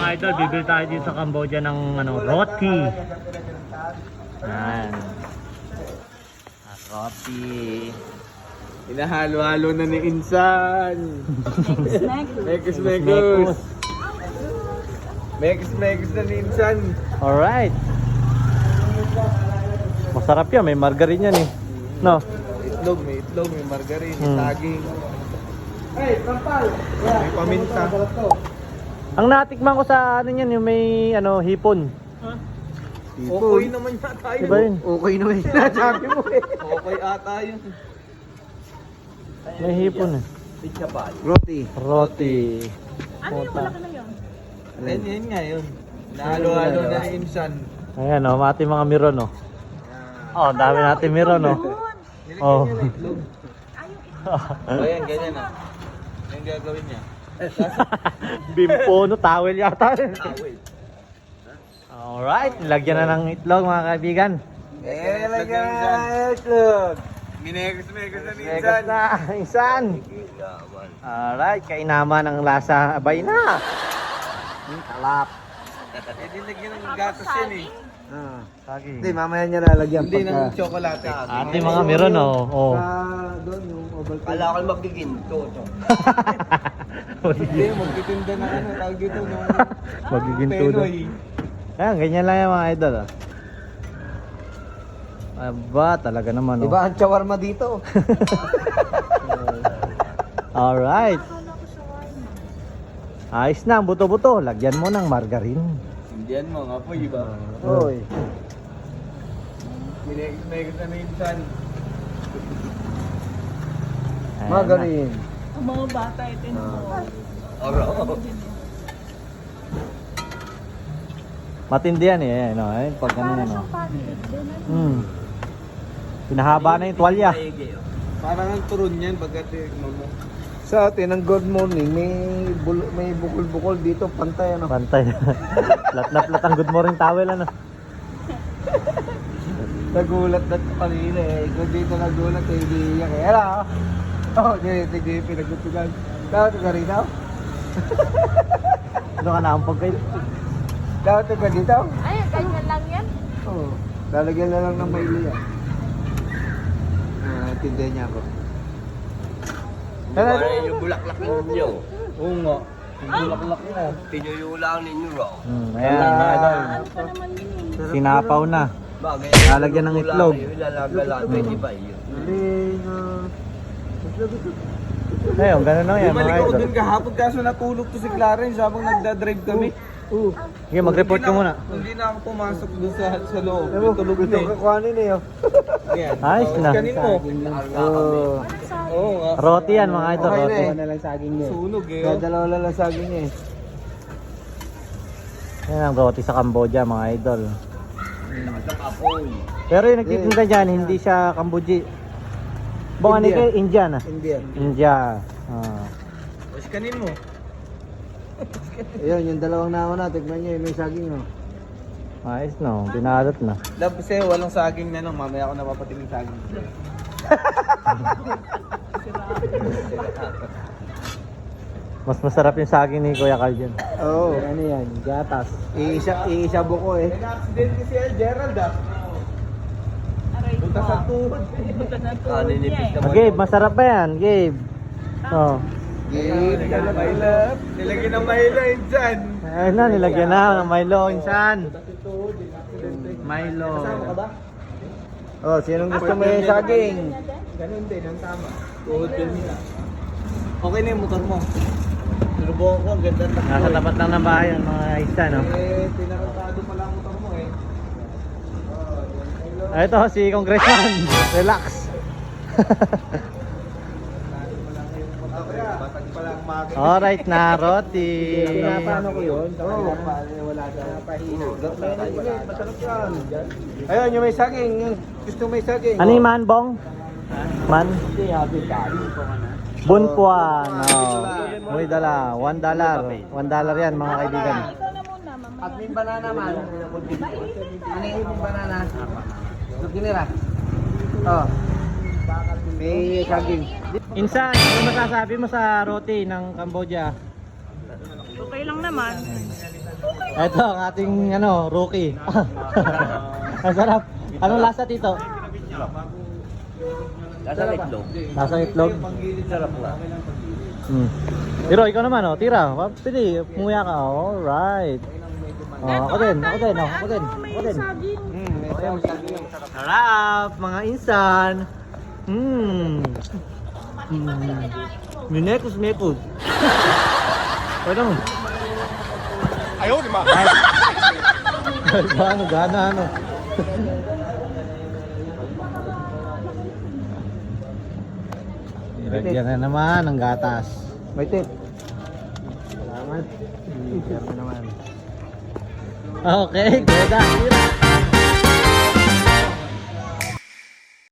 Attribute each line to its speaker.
Speaker 1: idol, bibili tayo dito sa Cambodia ng roti. Yan. Roti.
Speaker 2: Hinahalo-halo na ni Insan. Mekos. Mekos na ni Insan.
Speaker 1: Alright. Masarap yan, may margarine yan eh. No?
Speaker 2: May itlog, may margarine, may saging. Hey, kampal! May paminta.
Speaker 1: Ang natikman ko sa ano yan, yung may hipon.
Speaker 2: Okay naman yata yun.
Speaker 1: Diba yun?
Speaker 2: Okay naman yun. Sinasabi mo eh. Okay ata yun.
Speaker 1: May hipon eh.
Speaker 2: Roti.
Speaker 3: Ano yung malaki na yun?
Speaker 2: Yan nga yun. Nahalo-halo na ni Insan.
Speaker 1: Ayan o, mati mga miron o. Oh, dami natin miron o. Oh.
Speaker 2: Nilagyan niya ng itlog. Ayan, ganyan na. Yan gagawin niya.
Speaker 1: Bimpo no, towel yata.
Speaker 2: Wait.
Speaker 1: Alright, nilagyan na ng itlog mga kaibigan.
Speaker 2: Lagyan na itlog. Minekos na ni Insan.
Speaker 1: Na, Insan. Alright, kainaman ng lasa. Abay na. Talap.
Speaker 2: Nilagyan ng gatas yan eh.
Speaker 1: Saging.
Speaker 4: Hindi, mamaya niya lalagyan
Speaker 2: Hindi ng tsokolate.
Speaker 1: Ate mga miron o. Oh.
Speaker 4: doon yung Ovaltine.
Speaker 2: Kala ko magiginto. Hindi, magtitinda na tawag dito nung
Speaker 1: Magiging tudo.
Speaker 2: Penoy.
Speaker 1: Ayan, ganyan lang yung mga idol. Aba, talaga naman.
Speaker 4: Iba ang shawarma dito.
Speaker 1: Alright. Ayos na, buto-buto. Lagyan mo ng margarine.
Speaker 2: Indian mo nga po, iba.
Speaker 4: Hoy.
Speaker 2: Minekos na ni Insan.
Speaker 1: Ayan na.
Speaker 4: Margarine.
Speaker 3: Ang mga bata ito mo.
Speaker 2: Oro.
Speaker 1: Matindi yan eh. Ayan, ayun, pag ano yan. Pinahaba na yung tuwalya.
Speaker 2: Parang ang turon yan pagkat mo.
Speaker 4: Sa atin, ang good morning, may bukol-bukol dito, pantay ano.
Speaker 1: Pantay. Lat na plat ang good morning towel ano.
Speaker 4: Nagulat na kanina eh. Kung dito nagulat eh, hindi iyak eh. Hello? Oh, hindi pinagtutugan. Dapat ka rin ako?
Speaker 1: Ano ka naampag kayo?
Speaker 4: Dapat ka dito?
Speaker 3: Ay, ganyan lang yan.
Speaker 4: Oo. Lalagyan na lang ng maili yan. Tindihan niya ako.
Speaker 2: Ano yung bulaklak ninyo? Oo nga. Yung bulaklak na. Tinuyulang ninyo raw.
Speaker 1: Ayan, mga idol.
Speaker 3: Ano pa naman yun eh?
Speaker 1: Sinapaw na.
Speaker 2: Bagay.
Speaker 1: Lalagyan ng itlog.
Speaker 2: Pwede ba yun?
Speaker 1: Ayun, ganun lang yan mga
Speaker 2: Bumalik ako
Speaker 1: idol.
Speaker 2: dun kahapon kaso natulog to si Clarence habang nagdadrive kami.
Speaker 1: Sige, mag-report ka muna.
Speaker 2: Hindi na ako pumasok dun sa loob.
Speaker 4: Ewan,
Speaker 2: Tulog na
Speaker 4: ito
Speaker 2: eh.
Speaker 4: kakuhanin eh. Oh.
Speaker 2: Yan.
Speaker 1: Ayos na.
Speaker 2: Kanin mo.
Speaker 4: Oh.
Speaker 2: Oo nga.
Speaker 1: Roti yan mga idol,
Speaker 4: Okay na
Speaker 1: roti.
Speaker 4: eh. Na lang saging niya.
Speaker 2: Sunog eh.
Speaker 4: Dalawa lang lang saging niya eh.
Speaker 1: Yan ang roti sa Cambodia mga idol.
Speaker 2: Apoy.
Speaker 1: Pero yung nagtitinda dyan, hindi siya Cambodia. Baka ano kayo, Indian ah.
Speaker 4: Indian.
Speaker 1: India. Ah.
Speaker 2: Tapos kanin mo.
Speaker 4: Ayun, yung dalawang nauna, tignan niyo, may saging oh.
Speaker 1: Ayos no, binalot na.
Speaker 2: Tapos eh, walang saging na lang. Mamaya ako napapatingin saging.
Speaker 1: Mas masarap yung saging ni Kuya Carl dyan.
Speaker 4: Oo. Ano yan, gatas. Iisa buko eh.
Speaker 2: May na-accident kasi Gerald ah.
Speaker 3: Aray ko.
Speaker 2: Punta sa tuhod.
Speaker 3: Punta sa tuhod niya eh.
Speaker 1: Gabe, masarap ba yan? Gabe. Oh.
Speaker 2: Nilagyan ng mahila yun dyan.
Speaker 1: Ayun na, nilagyan na ng Milo, insan. Milo.
Speaker 2: Kasama ka ba?
Speaker 4: Oh, sinong gusto mo yung saging?
Speaker 2: Ganun din, ang tama. Tuhod yun nila. Okay na yung motor mo. Sinubukan ko, ang ganda ng takbo.
Speaker 1: Nasa tapat lang ng bahay ang mga isa, no?
Speaker 2: Pinakantado pala ang motor mo eh.
Speaker 1: Ito si Congressman. Relax.
Speaker 2: Batag pala ang magin.
Speaker 1: Alright na, roti.
Speaker 4: Paano ko yun? Oo. Wala ka. Masarap yan. Ayun, yung may saging. Yung gusto may saging.
Speaker 1: Ano yung man, Bong? Man?
Speaker 4: Hindi, happy tayo.
Speaker 1: Bunpuan. Oh. Muy dala. $1. $1 yan, mga kaibigan.
Speaker 3: Ikaw na muna, mamaya.
Speaker 4: At may banana man. Ano yung banana? Lukinira. Oh. May saging.
Speaker 1: Insan, ano masasabi mo sa roti ng Cambodia?
Speaker 3: Okay lang naman.
Speaker 1: Ito ang ating rookie. Ang sarap. Anong lasa, Tito?
Speaker 2: Lasa itlog.
Speaker 1: Lasa itlog.
Speaker 2: Sarap na.
Speaker 1: Tiro, ikaw naman, tira. Pili, umuya ka. Alright. Ako din.
Speaker 3: May saging.
Speaker 1: Sarap, mga insan. Minekos. Pwede mo.
Speaker 4: Ayaw, di ba?
Speaker 1: Gana. Ilagyan na naman ang gatas.
Speaker 4: May tip.
Speaker 1: Salamat. Naman. Okay, ganda.